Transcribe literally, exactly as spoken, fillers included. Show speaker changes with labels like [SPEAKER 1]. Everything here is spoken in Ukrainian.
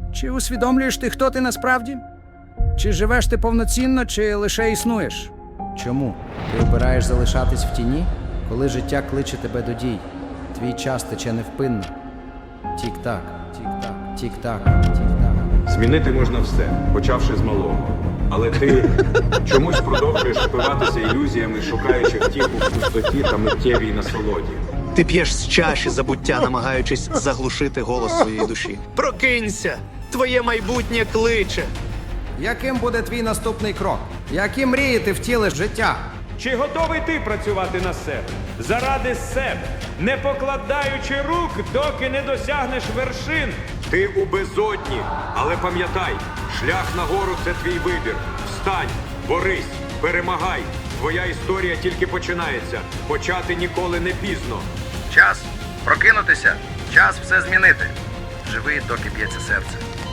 [SPEAKER 1] Чи усвідомлюєш ти, хто ти насправді? Чи живеш ти повноцінно, чи лише існуєш? Чому? Ти обираєш залишатись в тіні, коли життя кличе тебе до дій. Твій час тече невпинно. Тік-так, тік-так, тік-так, тік-так.
[SPEAKER 2] Змінити можна все, почавши з малого. Але ти чомусь продовжуєш впиватися ілюзіями, шукаючи втіху в пустоті та миттєвій насолоді.
[SPEAKER 3] Ти п'єш з чаші забуття, намагаючись заглушити голос своєї душі. Прокинься! Твоє майбутнє кличе!
[SPEAKER 1] Яким буде твій наступний крок? Які мрії ти втілиш в життя?
[SPEAKER 4] Чи готовий ти працювати на себе? Заради себе, не покладаючи рук, доки не досягнеш вершин.
[SPEAKER 2] Ти у безодні, але пам'ятай, шлях нагору – це твій вибір. Встань, борись, перемагай. Твоя історія тільки починається. Почати ніколи не пізно.
[SPEAKER 5] Час прокинутися, час все змінити. Живи, доки б'ється серце.